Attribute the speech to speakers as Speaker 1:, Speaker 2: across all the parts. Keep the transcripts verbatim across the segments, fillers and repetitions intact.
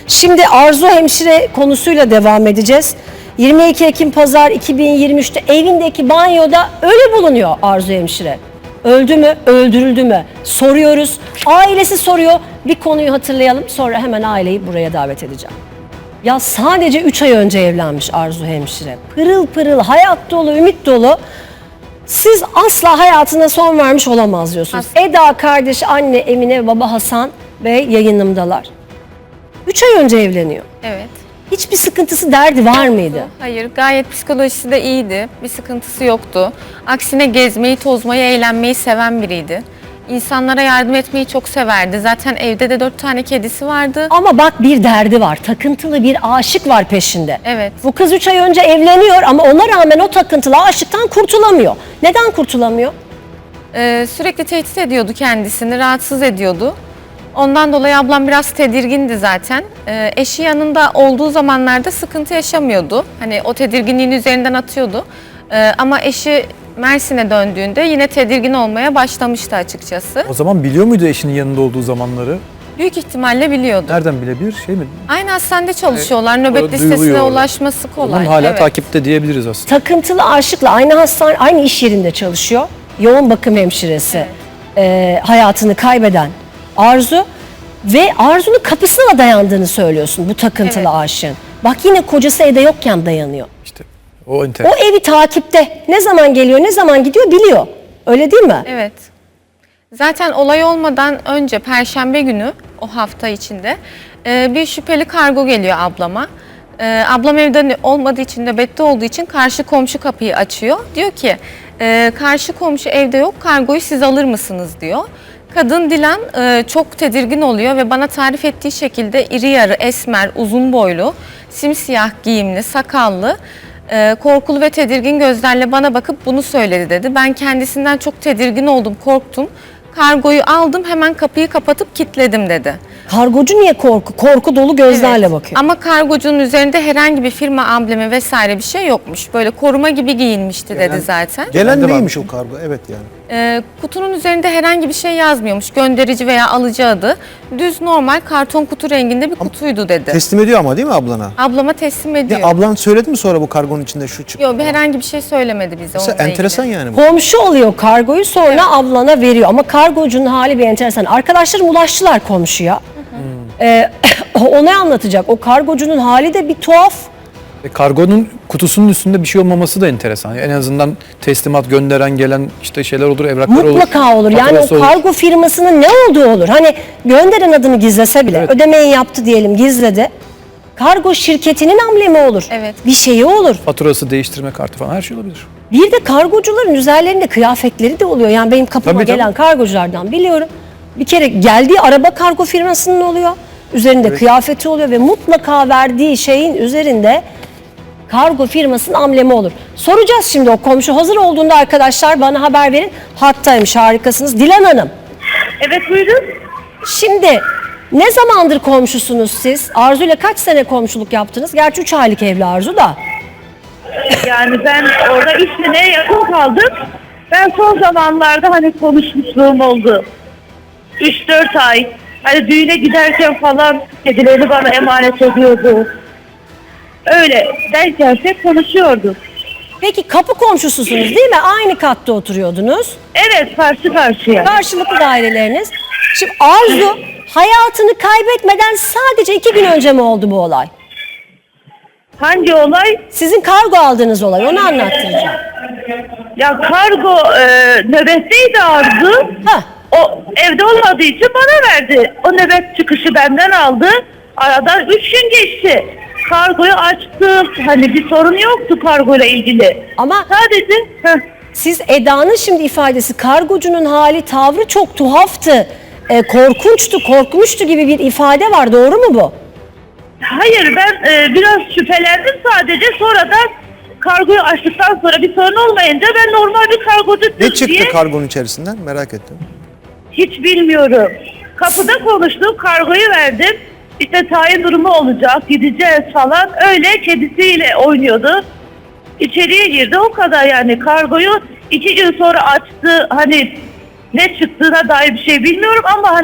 Speaker 1: Şimdi Arzu hemşire konusuyla devam edeceğiz. yirmi iki Ekim Pazar iki bin yirmi üç'te evindeki banyoda ölü bulunuyor Arzu hemşire. Öldü mü, öldürüldü mü? Soruyoruz. Ailesi soruyor. Bir konuyu hatırlayalım. Sonra hemen aileyi buraya davet edeceğim. Ya sadece üç ay önce evlenmiş Arzu hemşire. Pırıl pırıl, hayat dolu, ümit dolu. Siz asla hayatına son vermiş olamaz diyorsunuz.
Speaker 2: Asla.
Speaker 1: Eda kardeş, anne Emine, baba Hasan Bey yayınımdalar. Üç ay önce evleniyor.
Speaker 2: Evet.
Speaker 1: Hiçbir sıkıntısı, derdi var mıydı?
Speaker 2: Hayır, gayet psikolojisi de iyiydi. Bir sıkıntısı yoktu. Aksine gezmeyi, tozmayı, eğlenmeyi seven biriydi. İnsanlara yardım etmeyi çok severdi. Zaten evde de dört tane kedisi vardı.
Speaker 1: Ama bak, bir derdi var. Takıntılı bir aşık var peşinde.
Speaker 2: Evet.
Speaker 1: Bu kız üç ay önce evleniyor ama ona rağmen o takıntılı aşıktan kurtulamıyor. Neden kurtulamıyor?
Speaker 2: Ee, sürekli tehdit ediyordu kendisini, rahatsız ediyordu. Ondan dolayı ablam biraz tedirgindi zaten. Ee, eşi yanında olduğu zamanlarda sıkıntı yaşamıyordu. Hani o tedirginliğini üzerinden atıyordu. Ee, ama eşi Mersin'e döndüğünde yine tedirgin olmaya başlamıştı açıkçası.
Speaker 3: O zaman biliyor muydu eşinin yanında olduğu zamanları?
Speaker 2: Büyük ihtimalle biliyordu.
Speaker 3: Nereden bilebilir? Şey mi?
Speaker 2: Aynı hastanede çalışıyorlar.
Speaker 3: E,
Speaker 2: Nöbet
Speaker 3: orada
Speaker 2: listesine
Speaker 3: duyuluyor orada.
Speaker 2: ulaşması kolay.
Speaker 3: Onun hala
Speaker 2: Evet.
Speaker 3: takipte diyebiliriz aslında.
Speaker 1: Takıntılı aşıkla aynı hastane, aynı iş yerinde çalışıyor. Yoğun bakım hemşiresi.
Speaker 2: Evet.
Speaker 1: Ee, hayatını kaybeden Arzu ve Arzu'nun kapısına dayandığını söylüyorsun bu takıntılı
Speaker 2: Evet.
Speaker 1: aşığın. Bak, yine kocası evde yokken dayanıyor.
Speaker 3: İşte o enteresan.
Speaker 1: O evi takipte. Ne zaman geliyor, ne zaman gidiyor biliyor. Öyle değil mi?
Speaker 2: Evet. Zaten olay olmadan önce Perşembe günü o hafta içinde e, bir şüpheli kargo geliyor ablama. E, ablam evde olmadığı için, nöbette olduğu için karşı komşu kapıyı açıyor. Diyor ki e, karşı komşu evde yok, kargoyu siz alır mısınız diyor. Kadın Dilan e, çok tedirgin oluyor ve bana tarif ettiği şekilde iri yarı, esmer, uzun boylu, simsiyah giyimli, sakallı, e, korkulu ve tedirgin gözlerle bana bakıp bunu söyledi dedi. Ben kendisinden çok tedirgin oldum, korktum. Kargoyu aldım, hemen kapıyı kapatıp kilitledim dedi.
Speaker 1: Kargocu niye korku? Korku dolu gözlerle
Speaker 2: Evet.
Speaker 1: bakıyor.
Speaker 2: Ama kargocunun üzerinde herhangi bir firma amblemi vesaire bir şey yokmuş. Böyle koruma gibi giyinmişti dedi zaten.
Speaker 4: Gelen
Speaker 3: Ben de
Speaker 4: neymiş o kargo? Evet yani.
Speaker 2: Ee, kutunun üzerinde herhangi bir şey yazmıyormuş. Gönderici veya alıcı adı. Düz normal karton kutu renginde bir kutuydu dedi.
Speaker 4: Teslim ediyor ama değil mi ablana?
Speaker 2: Ablama teslim ediyor.
Speaker 4: Ya ablan söyledi mi sonra bu kargonun içinde şu çıktı?
Speaker 2: Yok, bir herhangi bir şey söylemedi bize
Speaker 4: Mesela
Speaker 2: onunla
Speaker 4: enteresan
Speaker 2: ilgili.
Speaker 4: yani bu.
Speaker 1: Komşu oluyor kargoyu, sonra ablana veriyor. Ama kargocunun hali bir enteresan. Arkadaşlarım ulaştılar komşuya. Ee, o ne anlatacak? O kargocunun hali de bir tuhaf.
Speaker 3: E, kargonun kutusunun üstünde bir şey olmaması da enteresan. En azından teslimat gönderen gelen işte şeyler olur, evraklar olur.
Speaker 1: Mutlaka olur. Yani o
Speaker 3: faturası olur.
Speaker 1: kargo firmasının ne olduğu olur. Hani gönderen adını gizlese bile,
Speaker 3: Evet.
Speaker 1: ödemeyi yaptı diyelim, gizledi. Kargo şirketinin amblemi olur.
Speaker 2: Evet.
Speaker 1: Bir şeyi olur.
Speaker 3: Faturası, değiştirme kartı falan her şey olabilir.
Speaker 1: Bir de kargocuların üzerlerinde kıyafetleri de oluyor. Yani benim kapıma
Speaker 3: Tabii, tabii.
Speaker 1: gelen kargoculardan biliyorum. Bir kere geldiği araba kargo firmasının oluyor. Üzerinde kıyafeti oluyor ve mutlaka verdiği şeyin üzerinde kargo firmasının amblemi olur. Soracağız şimdi o komşu. Hazır olduğunda arkadaşlar bana haber verin. Hattaymış, harikasınız. Dilan Hanım,
Speaker 5: Evet, buyurun.
Speaker 1: şimdi ne zamandır komşusunuz siz? Arzu ile kaç sene komşuluk yaptınız? Gerçi üç aylık evli Arzu da.
Speaker 5: Yani ben orada üç seneye yakın kaldım. Ben son zamanlarda hani konuşmuşluğum oldu. üç dört ay. Hani düğüne giderken falan kedilerini bana emanet ediyordu. Öyle derken hep konuşuyorduk.
Speaker 1: Peki kapı komşususunuz değil mi? Aynı katta oturuyordunuz.
Speaker 5: Evet, karşı karşıya.
Speaker 1: Karşılıklı daireleriniz. Şimdi Arzu hayatını kaybetmeden sadece iki gün önce mi oldu bu olay?
Speaker 5: Hangi olay?
Speaker 1: Sizin kargo aldığınız olay, onu anlattıracağım.
Speaker 5: Ya kargo e, nöbetteydi Arzu.
Speaker 1: Ha.
Speaker 5: O evde olmadığı için bana verdi. O nöbet çıkışı benden aldı. Aradan üç gün geçti. Kargoyu açtım. Hani bir sorun yoktu kargoyla ilgili.
Speaker 1: Ama
Speaker 5: Sadece heh,
Speaker 1: siz Eda'nın şimdi ifadesi, kargocunun hali, tavrı çok tuhaftı, e, korkunçtu, korkmuştu gibi bir ifade var. Doğru mu bu?
Speaker 5: hayır ben e, biraz şüphelendim sadece. Sonradan kargoyu açtıktan sonra bir sorun olmayınca ben normal bir kargocusun
Speaker 4: Ne çıktı
Speaker 5: diye
Speaker 4: kargonun içerisinden? Merak ettim.
Speaker 5: hiç bilmiyorum. Kapıda konuştuk, kargoyu verdim. İşte tayin durumu olacak, gideceğiz falan. Öyle kedisiyle oynuyordu. İçeriye girdi, o kadar yani. Kargoyu iki gün sonra açtı. Hani ne çıktığına dair bir şey bilmiyorum ama hani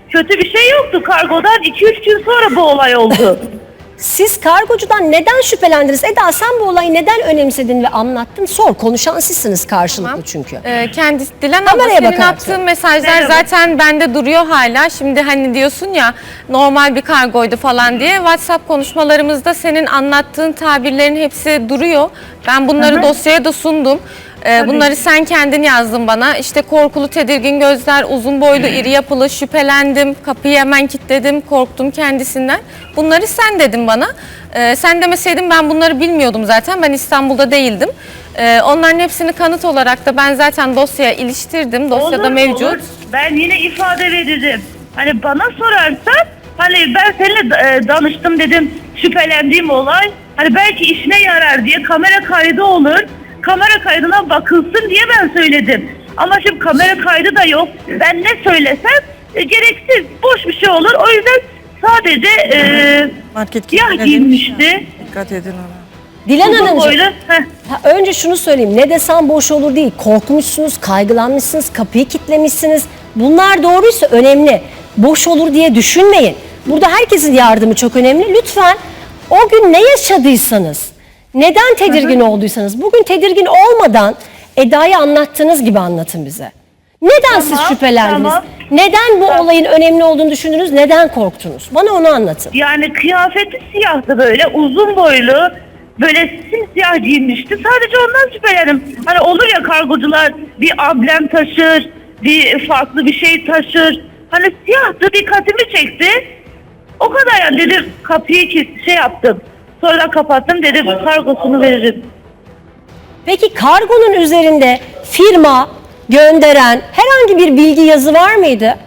Speaker 5: kötü bir şey yoktu. Kargodan iki üç gün sonra bu olay oldu.
Speaker 1: Siz kargocudan neden şüphelendiniz? Eda sen bu olayı neden önemsedin ve anlattın? Sor. Konuşan sizsiniz karşılıklı
Speaker 2: Tamam.
Speaker 1: çünkü.
Speaker 2: Ee, kendisi Dilan abla
Speaker 1: Kameraya
Speaker 2: senin
Speaker 1: bakarak
Speaker 2: attığın
Speaker 1: söyle.
Speaker 2: mesajlar
Speaker 5: Merhaba.
Speaker 2: zaten bende duruyor hala. Şimdi hani diyorsun ya normal bir kargoydu falan diye. WhatsApp konuşmalarımızda senin anlattığın tabirlerin hepsi duruyor. Ben bunları
Speaker 5: Hı hı.
Speaker 2: dosyaya da sundum. Ee,
Speaker 5: Tabii.
Speaker 2: bunları sen kendin yazdın bana. İşte korkulu, tedirgin gözler, uzun boylu, iri yapılı, şüphelendim, kapıyı hemen kilitledim, korktum kendisinden. Bunları sen dedin bana. Ee, sen demeseydin ben bunları bilmiyordum zaten. Ben İstanbul'da değildim. Ee, onların hepsini kanıt olarak da ben zaten dosyaya iliştirdim. Dosyada
Speaker 5: Olur,
Speaker 2: mevcut.
Speaker 5: olur. Ben yine ifade veririm. Hani bana sorarsan hani ben seninle e, danıştım dedim şüphelendiğim olay. Hani belki işine yarar diye kamera kaydı olur. Kamera kaydına bakılsın diye ben söyledim. Ama şimdi kamera kaydı da yok. Ben ne söylesem e, gereksiz, boş bir şey olur. O yüzden sadece e,
Speaker 6: Market
Speaker 5: siyah
Speaker 6: kilitine
Speaker 5: giyinmişti.
Speaker 6: demiş ya, dikkat edin ona.
Speaker 1: Dilan
Speaker 5: Uzun
Speaker 1: Hanımcığım.
Speaker 5: boylu. Heh.
Speaker 1: Ha, önce şunu söyleyeyim. Ne desem boş olur değil. Korkmuşsunuz, kaygılanmışsınız, kapıyı kilitlemişsiniz. Bunlar doğruysa önemli. Boş olur diye düşünmeyin. Burada herkesin yardımı çok önemli. Lütfen o gün ne yaşadıysanız, neden tedirgin olduysanız, bugün tedirgin olmadan Eda'yı anlattığınız gibi anlatın bize. Neden siz
Speaker 5: Tamam,
Speaker 1: şüphelendiniz?
Speaker 5: tamam.
Speaker 1: Neden bu
Speaker 5: Tamam.
Speaker 1: olayın önemli olduğunu düşündünüz? Neden korktunuz? Bana onu anlatın.
Speaker 5: Yani kıyafeti siyahtı böyle, uzun boylu, böyle simsiyah giyinmişti. Sadece ondan şüphelendim. Hani olur ya kargocular bir amblem taşır, bir farklı bir şey taşır. Hani siyahtı, dikkatimi çekti. O kadar yani dedim kapıyı ki şey yaptım. Sonra kapattım dedim kargosunu veririm.
Speaker 1: Peki kargonun üzerinde firma, gönderen herhangi bir bilgi yazı var mıydı?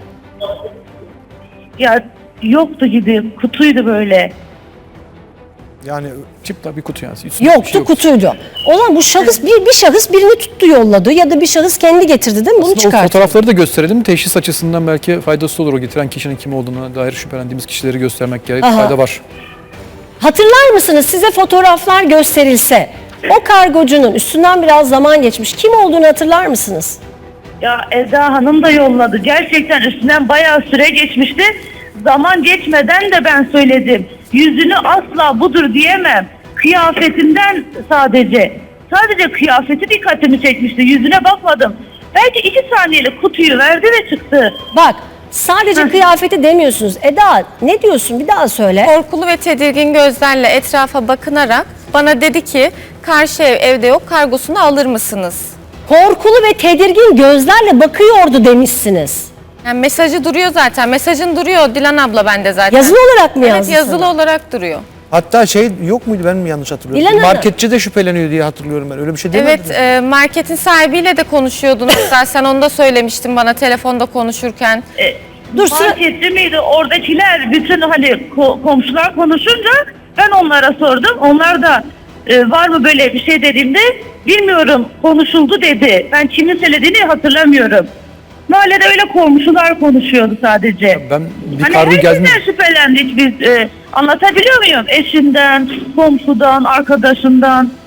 Speaker 5: Ya yoktu gibi, kutuydu böyle.
Speaker 4: Yani
Speaker 3: Çıplak bir kutu yani. Üstünde bir
Speaker 1: Yoktu,
Speaker 3: şey yok.
Speaker 1: kutuydu. O zaman bu şahıs bir, bir şahıs birini tuttu yolladı ya da bir şahıs kendi getirdi değil mi? Bunu
Speaker 3: Aslında o
Speaker 1: çıkarttı.
Speaker 3: fotoğrafları da gösterelim. Teşhis açısından belki faydası olur. O getiren kişinin kim olduğuna dair şüphelendiğimiz kişileri göstermek gerek.
Speaker 1: Aha.
Speaker 3: Fayda var.
Speaker 1: Hatırlar mısınız size fotoğraflar gösterilse o kargocunun üstünden biraz zaman geçmiş kim olduğunu hatırlar mısınız?
Speaker 5: Ya Eda Hanım da yolladı. Gerçekten üstünden bayağı süre geçmişti. Zaman geçmeden de ben söyledim. Yüzünü asla budur diyemem. Kıyafetinden sadece. Sadece kıyafeti dikkatimi çekmişti. Yüzüne bakmadım. Belki iki saniyelik kutuyu verdi ve çıktı.
Speaker 1: Bak sadece kıyafeti demiyorsunuz. Eda ne diyorsun bir daha söyle.
Speaker 2: Korkulu ve tedirgin gözlerle etrafa bakınarak bana dedi ki karşı ev evde yok, kargosunu alır mısınız?
Speaker 1: Korkulu ve tedirgin gözlerle bakıyordu demişsiniz.
Speaker 2: Yani mesajı duruyor zaten. Mesajın duruyor Dilan abla bende zaten.
Speaker 1: Yazılı olarak mı
Speaker 2: Evet,
Speaker 1: yazdı
Speaker 2: yazılı
Speaker 1: sana?
Speaker 2: olarak duruyor.
Speaker 4: hatta şey yok muydu, ben mi yanlış hatırlıyorum?
Speaker 1: Dilan Hanım.
Speaker 4: Marketçi de şüpheleniyor diye hatırlıyorum ben. Öyle bir şey demedin
Speaker 2: Evet,
Speaker 4: mi?
Speaker 2: e, marketin sahibiyle de konuşuyordunuz. Hatta sen onu da söylemiştin bana telefonda konuşurken.
Speaker 5: E,
Speaker 1: Dur, sıra-
Speaker 5: marketçi miydi? Oradakiler bütün hani ko- komşular konuşunca ben onlara sordum. Onlar da e, var mı böyle bir şey dediğimde bilmiyorum konuşuldu dedi. Ben kimin söylediğini hatırlamıyorum. Mahallede öyle komşular konuşuyordu sadece.
Speaker 3: Ben bir
Speaker 5: Hani
Speaker 3: kargo
Speaker 5: herkesten
Speaker 3: geldiğinde
Speaker 5: şüphelendik biz. E, anlatabiliyor muyum? Eşinden, komşudan, arkadaşından.